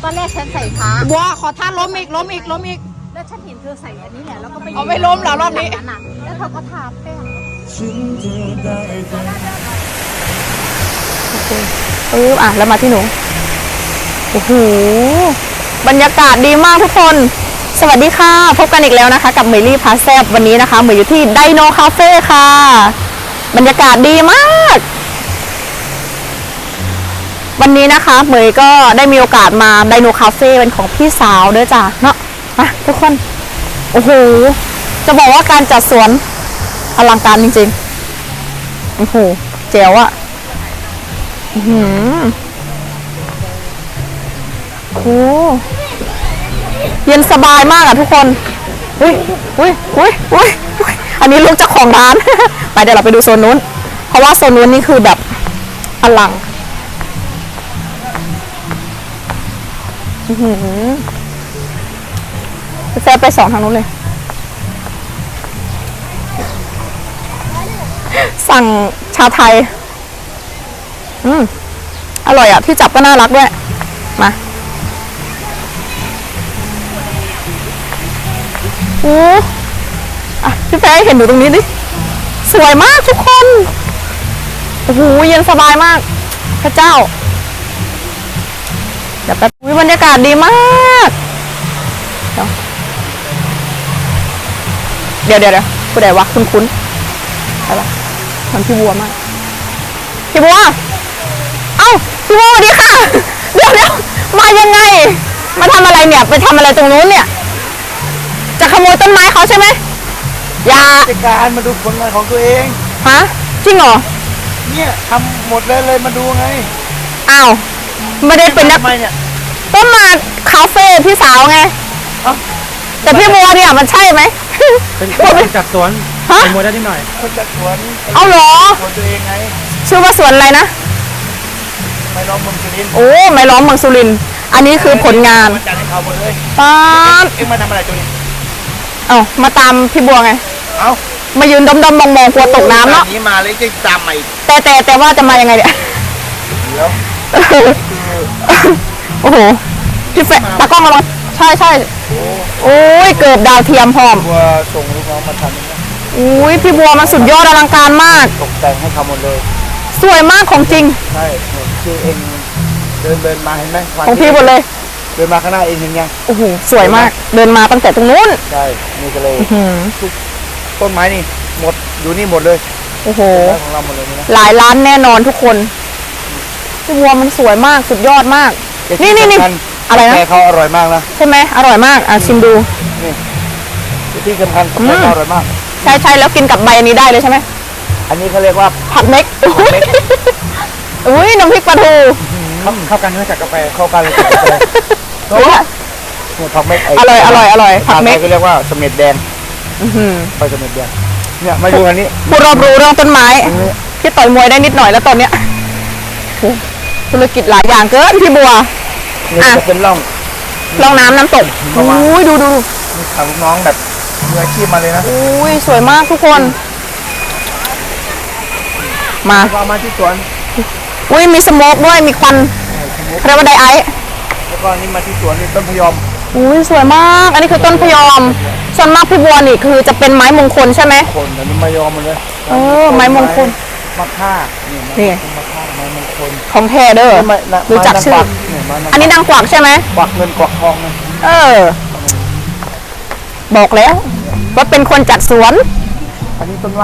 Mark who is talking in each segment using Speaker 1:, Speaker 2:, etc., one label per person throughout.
Speaker 1: ตอนแรกฉันใส่ผ้า
Speaker 2: บัวขอท่าล้มอีก
Speaker 1: แล้วฉันเห็นเธอใส่อันนี้แหละแล้วก็ไป
Speaker 2: เอาไม่ล้มเหรอรอบนี้
Speaker 1: แล้วเธอก็ทาแป้ง
Speaker 2: แล้วมาที่หนูโอ้โหบรรยากาศดีมากทุกคนสวัสดีค่ะพบกันอีกแล้วนะคะกับเมลี่พาแซบวันนี้นะคะเมย์อยู่ที่ไดโนคาเฟ่ค่ะบรรยากาศดีมากวันนี้นะคะเมย์ก็ได้มีโอกาสมาไดโนคาเฟ่เป็นของพี่สาวด้วยจ้ะเนาะมาทุกคนโอ้โหจะบอกว่าการจัดสวนอลังการจริงๆโอ้โหเจ๋วอะโอ้เย็นสบายมากอะทุกคนอุ้ยอันนี้ลูกเจ้าของร้าน ไปเดี๋ยวเราไปดูโซนนู้นเพราะว่าโซนนู้นนี่คือแบบอลังแฟไปสองทางนู้นเลยสั่งชาไทยอร่อยอ่ะที่จับก็น่ารักด้วยมาโอ้พี่แฟเห็นหนูตรงนี้ดิสวยมากทุกคนโอ้โหเย็นสบายมากพระเจ้าเดี๋ยวแป๊บบรรยากาศดีมากเดี๋ยวผู้ใดวะคุ้นอะไรวะมันพี่บัวมากพี่บัวเอ้าพี่บัวสวัสดีค่ะเดี๋ยวมายังไงมาทำอะไรเนี่ยไปทำอะไรตรงนู้นเนี่ยจะขโมยต้นไม้เขาใช่ไหมอย่า
Speaker 3: จัดการมาดูผลงานของตัวเอง
Speaker 2: ฮะจริงเหรอ
Speaker 3: เนี่ยทำหมดเลยมาดูไง
Speaker 2: อ้าวไม่ได้เป็นนัก
Speaker 3: เนี่ย
Speaker 2: ก็มาคาเฟ่พี่สาวไงแต่พี่บัวเนี่ยมันใช่ไหม
Speaker 3: เป็นคนจัดสวนเป็นโมเดลนิดหน่อยคนจัดสวน
Speaker 2: เอาเหรอ
Speaker 3: สวนตัวเองไง
Speaker 2: ชื่อว่าสวนอะไรนะ
Speaker 3: ไม้ล้อมเมืองสุรินทร์
Speaker 2: โอ้ไม้ล้อมเมืองสุรินทร์อันนี้คือผลงาน
Speaker 3: จัดให้เขาหมดเลย
Speaker 2: ป๊าบ
Speaker 3: เอ็งมาทำอะไรตัวนี้
Speaker 2: มาตามพี่บัวไงมายืนดมมองกลัวตกน้ำเนาะ
Speaker 3: นี้มาเลยจะตามมาอีก
Speaker 2: แต่ว่าจะมายังไงเนี่ย
Speaker 3: เดี๋ยว
Speaker 2: โอ้โหพี่แฟตากล้องมาลองใช่โอ้ยเกิดดาวเทียมพร้อม
Speaker 3: บัวส่งลูกน้องมาทำนะ
Speaker 2: อุ้ยพี่บัวมันสุดยอดอลังการมาก
Speaker 3: ตกแต่งให้เขาหมดเลย
Speaker 2: สวยมากของจริง
Speaker 3: ใช่คือเองเดินมาเห็นไหม
Speaker 2: ของพี่หมดเลย
Speaker 3: เดินมาข้างหน้าเองเห็นยัง
Speaker 2: โอ้โหสวยมากเดินมาตั้งแต่ตรงนู้น
Speaker 3: ใช่นี่ก็เลยต้นไม้นี่หมดอยู่นี่หมดเลย
Speaker 2: โอ้โห
Speaker 3: ของเราหมดเลยนะ
Speaker 2: หลายล้านแน่นอนทุกคนพี่บัวมันสวยมากสุดยอดมากนี่อะไรนะ
Speaker 3: เขาอร่อยมากนะ
Speaker 2: ใช่ไหมอร่อยมากชิมดู
Speaker 3: นี่ที่สำคัญเขาอร่อยมาก
Speaker 2: ใช่แล้วกินกับใบอันนี้ได้เลยใช่ไหม
Speaker 3: อันนี้เขาเรียกว่า
Speaker 2: ผักเม็กอุ้ยน้ำพริกปลาทู
Speaker 3: เข้ากันด้วยกับกาแฟเข้ากันเลยกับกาแฟผักเม็ก
Speaker 2: อร่อย
Speaker 3: ผักเม็กก็เรียกว่าเสม็ดแดงไปเสม็ดแดงเนี่ยมาดูอันนี้
Speaker 2: ผู้รอบรู้เรื่องต้นไม้พี่ต่อยมวยได้นิดหน่อยแล้วตอนเนี้ยธุรกิจหลายอย่างเกินพี่บัว
Speaker 3: จะเป็นร่อง
Speaker 2: น้ำตกอุ้ยดู
Speaker 3: มีทำน้องแบบมืออาชีพมาเลยนะ
Speaker 2: อุ้ยสวยมากทุกคนมา
Speaker 3: ที่สวน
Speaker 2: อุ้ยมีสโมกด้วยมีควันเรียกว่าไดไอซ์
Speaker 3: แล้วก็นี่มาที่สวนนี่ต้นพยอม
Speaker 2: อุ้ยสวยมากอันนี้คือต้นพยอมส่วนมากพี่บัวนี่คือจะเป็นไม้มงคลใช่ไหม
Speaker 3: คนอันนี้ไม้ยอมหมดเลย
Speaker 2: ไม้มงคล
Speaker 3: มะค่า
Speaker 2: นี่
Speaker 3: มะค่าไม้มงคล
Speaker 2: ของแท้เด้อรู้จักชื่ออันนี้นางกวักใช่ไหม
Speaker 3: กวักเงินกวักทองนะ
Speaker 2: บอกแล้วว่าเป็นคนจัดสวน
Speaker 3: อันนี้ต้นว่า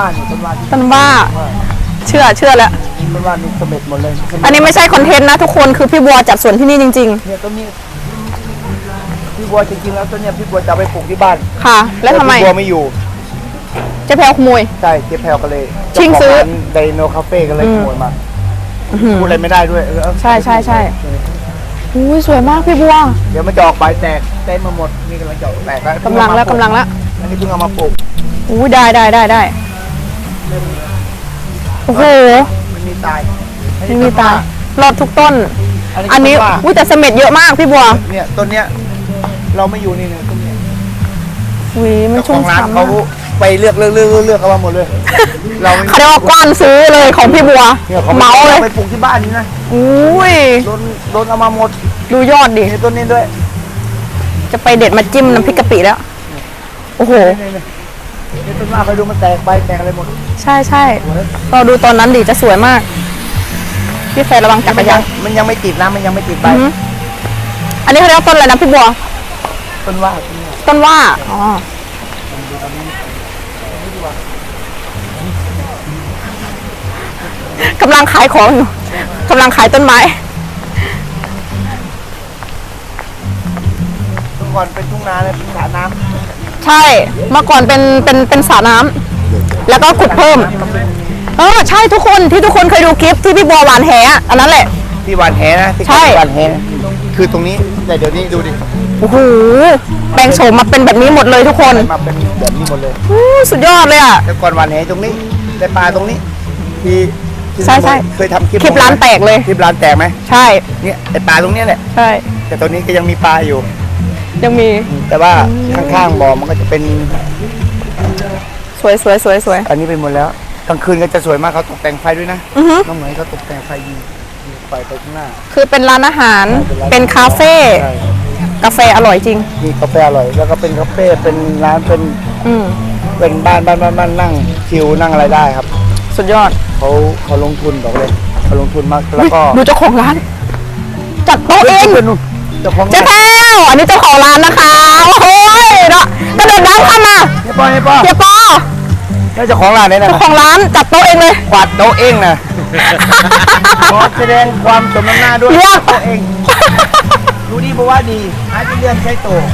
Speaker 2: เชื่อแล้ว
Speaker 3: ต้นว่านี่เสม็ดหมดเลย
Speaker 2: อันนี้ไม่ใช่คอนเทนต์นะทุกคนคือพี่บัวจัดสวนที่นี่จริง
Speaker 3: ๆเนี่ยต้นนี้พี่บัวจริงๆแล้วต้นนี้พี่บัวจะไปปลูกที่บ้าน
Speaker 2: ค่ะแล้วทำไม
Speaker 3: พี่บัวไม่อยู่
Speaker 2: เจ๊แพลวขโมย
Speaker 3: ใช่เจ๊แพลวก็เลย
Speaker 2: ชิงซื้อ
Speaker 3: ไดโนคาเฟ่ก็เลยขโมยมาพูดอะไรไม่ได้ด้วย
Speaker 2: ใช่อุ้ยสวยมากพี่บัว
Speaker 3: เดี๋ยวมันจะออกใบแตกเต้นมาหมดนี่กำลังจะแตกแล้ว
Speaker 2: กำลังแล้ว
Speaker 3: อันนี้เพิ่งเอามาปลูก
Speaker 2: อุ้ยได้โอ้โห
Speaker 3: มันมีตาย
Speaker 2: รอดทุกต้นอันนี้อุ้ยแต่เสม็ดเยอะมากพี่บัว
Speaker 3: เนี่ยต้นเนี้ยเราไม่อยู่นี่เนี่ยต้นเนี้ย
Speaker 2: มันชุ่มฉ่ำ
Speaker 3: เขาไปเลือกเอามาหมดเลย เราไม่
Speaker 2: เขาเรียกว่ากว้านซื้อเลยของพี่บัว
Speaker 3: เนี่ยเขา
Speaker 2: เมาเลย
Speaker 3: ไปปลูกที่บ้านนี่นะ
Speaker 2: อุ้ย
Speaker 3: โดนเอามาหมด
Speaker 2: ดูยอดดิ
Speaker 3: นี่ต้นนี้ด้วย
Speaker 2: จะไปเด็ดมาจิ้มน้ำพริกกะปิแล้ว โอ้โห
Speaker 3: นี่ต้นว่าไปดูมันแตกใบแตกอะไรหมด
Speaker 2: ใช่ใช่เราดูตอนนั้นดิจะสวยมาก พี่แฟนระวังจักรยาน
Speaker 3: มันยังไม่ติดนะมันยังไม่ติดใบ
Speaker 2: อือหืออันนี้เขาเรียกว่าต้นอะไรนะพี่บัว
Speaker 3: ต้นว่า
Speaker 2: ต้นว่า อ๋อ กำลังขายของอยู่ กำลังขายต้นไม้
Speaker 3: เมื่อก่อนเป็นทุ่งนาเลยเป็นสระน้
Speaker 2: ใช่ เมื่อก่อนเป็นสระน้ำแล้วก็ขุดเพิ่ม ใช่ทุกคนที่ทุกคนเคยดูคลิปที่พี่บัวหวานแหอะอันนั้นแหละ
Speaker 3: ำที่หวานแหนะที่
Speaker 2: ใช่
Speaker 3: หวานแหนะคือตรงนี้แต่เดี๋ยวนี้ดูดิ
Speaker 2: โอ้โห แปลงโฉมมาเป็นแบบนี้หมดเลยทุกคน
Speaker 3: มาเป็นแบบนี้หมดเลย
Speaker 2: อู้สุดยอดเลยอ่ะ
Speaker 3: แต่ก่อนหวานแหตรงนี้แต่ปลาตรงนี้ที่ที่
Speaker 2: ใช่ใช่
Speaker 3: เคยทำคลิป
Speaker 2: คลิปร้านแตกเลย
Speaker 3: คลิปร้านแตกไหม
Speaker 2: ใช่
Speaker 3: เนี่ยไอปลาตรงเนี้ยแหละ
Speaker 2: ใช่
Speaker 3: แต่ตอนนี้ก็ยังมีปลาอยู่
Speaker 2: ยังมี
Speaker 3: แต่ว่าข้างๆบ่อมันก็จะเป็น
Speaker 2: สวยสวยสวยสวย
Speaker 3: อันนี้ไปหมดแล้วกลางคืนก็จะสวยมากเขาตกแต่งไฟด้วยนะ
Speaker 2: อือฮึ
Speaker 3: น้องเหมยเขาตกแต่งไฟยิงไฟไปข้างหน้า
Speaker 2: คือเป็นร้านอาหาร เป็นคาเฟ่
Speaker 3: ใช่
Speaker 2: กาแฟอร่อยจริง
Speaker 3: มีกาแฟอร่อยแล้วก็เป็นคาเฟ่เป็นร้านเป็น
Speaker 2: อืม
Speaker 3: เป็นบ้านนั่งชิลนั่งอะไรได้ครับ
Speaker 2: สุดยอด
Speaker 3: เขาลงทุนบอกเลยเขาลงทุนมากแล้วก็
Speaker 2: ดูเจ้าของร้าน จัดโต๊ะเอง
Speaker 3: เป็นนู่นเจ้าของ
Speaker 2: เจ๊แพรวอันนี้เจ้าของร้านนะคะ โอ้ยเนาะกระโดดน้ำเข้ามา
Speaker 3: เฮียป้อ
Speaker 2: เฮียปอ
Speaker 3: แล้วเจ้าของร้านเนี่ยนะ
Speaker 2: เจ้าของร้านจัดโต๊ะเองเลย
Speaker 3: กวาดโต๊ะเองนะ ขอแสดงความสมน้ำหน้าด้วย
Speaker 2: เยี่ยม
Speaker 3: โต๊ะเองดูดีบอกว่าดีหาจะเลื่อนใช้โต๊ะ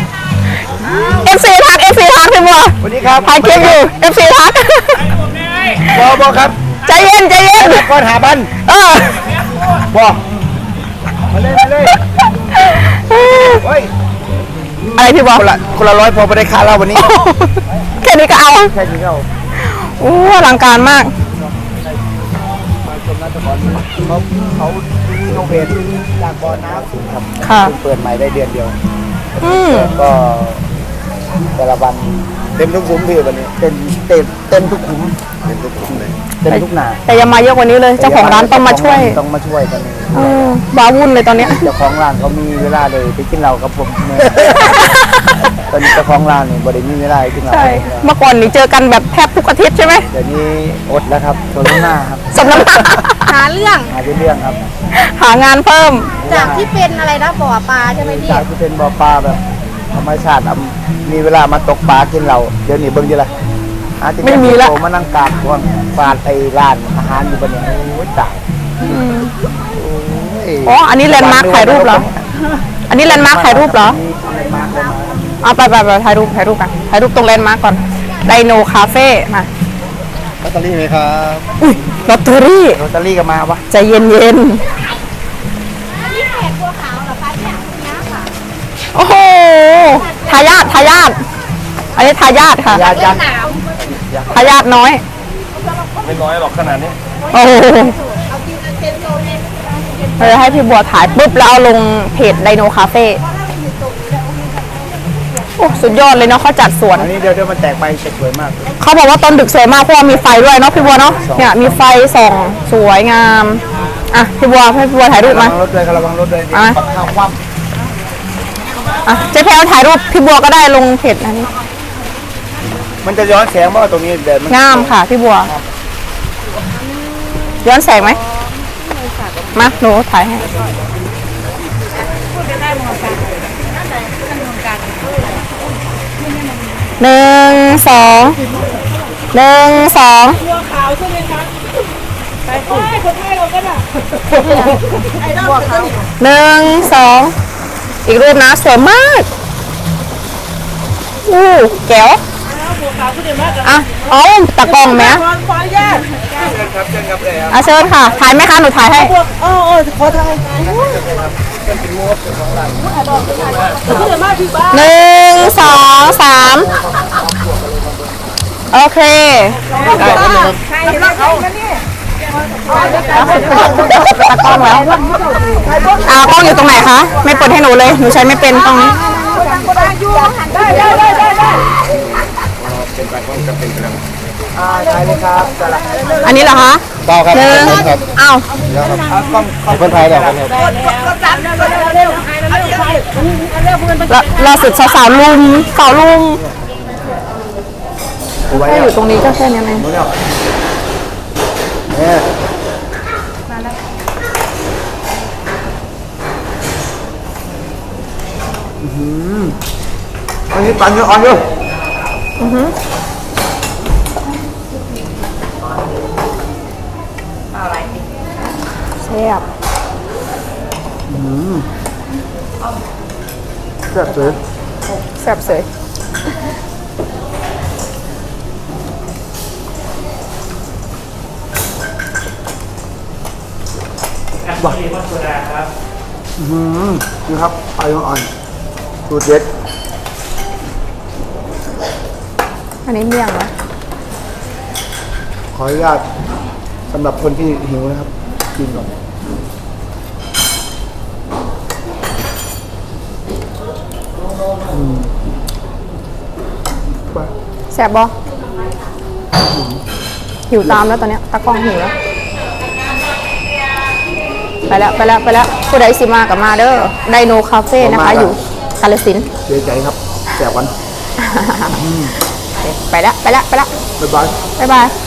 Speaker 2: FC ทัก FC ทักพี่บัว
Speaker 3: สวัสดีครับ
Speaker 2: ถ่ายคลิปอยู่ FC ทัก
Speaker 3: บอกครับ
Speaker 2: ใจเย็นใจเย็น
Speaker 3: ก่อนหาบัน
Speaker 2: เออ
Speaker 3: บอกมาเลยเฮ้ย
Speaker 2: อะไรพี่บัว
Speaker 3: คนละร้อยพอไปได้ค่าเราวันนี้
Speaker 2: แค่นี้ก็เอา
Speaker 3: แค่นี้ก็เอา
Speaker 2: โอ้อลังการมาก
Speaker 3: มาชมนักตะกอนเขารีโนเวทจากบ่อน้ำสูงครับ
Speaker 2: ค่ะ
Speaker 3: เพิ่งเปิดใหม่ได้เดือนเดียว
Speaker 2: อืม
Speaker 3: ก็แต่ละวันเต็มทุกขุมพี่วันนี้เต็มทุกขุมเต็มทุกขุมเลยเต็มทุกนา
Speaker 2: แต่อยังมาเยอะกว่านี้เลย เจ้าของร้านต้องมาช่วย
Speaker 3: ต้องมาช่วยกัน
Speaker 2: บ้าวุ่นเลยตอนเนี้ย
Speaker 3: เจ้าของร้านเขามีเวลาเลยไปกินเหล้ากับผมเนี่ยตอนนี้เจ้าของร้านเนี่ยบริมีเวลาให้กินเหล้า
Speaker 2: ใช่ เมื่อก่อนนี่เจอกันแบบแทบทุกอาทิตย์ใช่ไหม
Speaker 3: เดี๋ยวนี้อดแล้วครับตัวหน้าครับ
Speaker 2: สำนัก
Speaker 1: หาเรื่อง
Speaker 3: หาเรื่องครับ
Speaker 2: หางานเพิ่ม
Speaker 1: จากที่เป็นอะไรนะบ่อปลาใช่ไหมพี่
Speaker 3: จากที่เป็นบ่อปลาแบบธรรมชาติมีเวลามาตกปลากินเหล้าเดี๋ยวนี้เบิ่งดีละหาที่
Speaker 2: ไม่มีละ
Speaker 3: โตมานั่งกราบก่อนฟาดไอ้ร้านอาหารอยู่บนนี้โอ้ยตายโย
Speaker 2: อ๋อ อันนี้แลนด์มาร์คถ่ายรูปเหรอ อันนี้แลนด์มาร์คถ่ายรูปเหรอ
Speaker 3: แลนด์มาร์ค
Speaker 2: เอาไปถ่ายรูปกัน ถ่ายรูปตรงแลนด์มาร์คก่อน ไดโนคาเฟ่มา
Speaker 3: ลอตเตอรี่ไหมครับ
Speaker 2: อุ้ยลอตเตอรี่
Speaker 3: ลอตเตอรี่ก็มาปะ
Speaker 2: ใจเย็น
Speaker 1: อันนี้แขกบัวขาวเหรอคะเนี่ยนะค่ะ
Speaker 2: ๆ โอ้โห ทายาทอันนี้ทายาทค่ะ
Speaker 3: ยา
Speaker 1: เล่
Speaker 3: จั
Speaker 1: น
Speaker 3: ด
Speaker 1: หนาม
Speaker 2: ทายาทน้อย
Speaker 3: ไม่น้อยหรอกขนาดนี้
Speaker 2: โอ้โห
Speaker 1: เอากินเต็มโซนเลย
Speaker 2: เราจะให้พี่บัวถ่ายปุ๊บแล้วเอาลงเพจไดโนคาเฟ่โอ้สุดยอดเลยเนาะเขาจัดสวน
Speaker 3: อันนี้เดี๋ยวมันแตกไปจะสวยมาก
Speaker 2: เขาบอกว่าตอนดึกสวยมากเพราะว่ามีไฟด้วยเนาะพี่บัวเนาะ เนี่ยมีไฟส่องสวยงาม อ่ะพี่บัวให้พี่บัวถ่ายรูป
Speaker 3: ระวั
Speaker 2: มา
Speaker 3: งรถเลยระวังรถเลย
Speaker 2: อ่ะ
Speaker 3: ปักข้าวคว่
Speaker 2: อ่ะเจ๊แพรวถ่ายรูปพี่บัวก็ได้ลงเพจอันนี้
Speaker 3: ำมันจะย้อนแสงมากกว่าตรงนี้เดี๋ยวมัน
Speaker 2: งามค่ะพี่บัว ย้อนแสงไหมมาหนูถ่ายให้หนึ่งสองหนึ่งสองหนึ่งสองอีกรูปนะสวยมากอู้แก้วอ่ะเอาตะกล้องไหม
Speaker 3: ครับเชิญครับเลยครับ
Speaker 2: อ่ะเชิญค่ะ ถ่ายไหมคะหนูถ่ายให้หนึ่งสองสามโอเคตะกล้องแล้วกล้องอยู่ตรงไหนคะ ไม่เปิดให้หนูเลย หนูใช้ไม่เป็นกล้องนี้
Speaker 3: ได้เลยครับจะละ
Speaker 2: อันนี้เหรอคะ
Speaker 3: เปล่าครับ
Speaker 2: หนึ่ง
Speaker 3: ครับ
Speaker 2: เอ้า
Speaker 3: แล้วครับต้องขอบคุณไทยแล้วครับ
Speaker 2: ล่าสุดสาวๆลุมสาวลุม
Speaker 3: กูไว้
Speaker 2: แค่
Speaker 3: แล้
Speaker 2: อ
Speaker 3: ว
Speaker 2: ยู่ตรงนี้ก็แค่นี้เอง
Speaker 3: รู้แล้วเนี่ยอันนี้ปั่นเยอะอ่อนเยอะ
Speaker 2: แซ่บ
Speaker 3: แซ่บเลย
Speaker 2: แซ่บเสย
Speaker 3: นี่ครับไอ้อ่อนสูตรเด็ด
Speaker 2: อันนี้เมี่ยงนะ
Speaker 3: ขออนุญาตสำหรับคนที่หิวนะครับกินก่อนไป
Speaker 2: แซ่บบ่หิวตามแล้วตอนเนี้ยตากล้องหิวแล้ว ไปแล้วผู้ใดสิมากับมาเด้อไดโนคาเฟ่นะคะ อยู่กาฬสินธุ์
Speaker 3: เสียใจครับแสบวัน
Speaker 2: โอเคไปแล้ว
Speaker 3: บ๊ายบาย
Speaker 2: บ๊ายบาย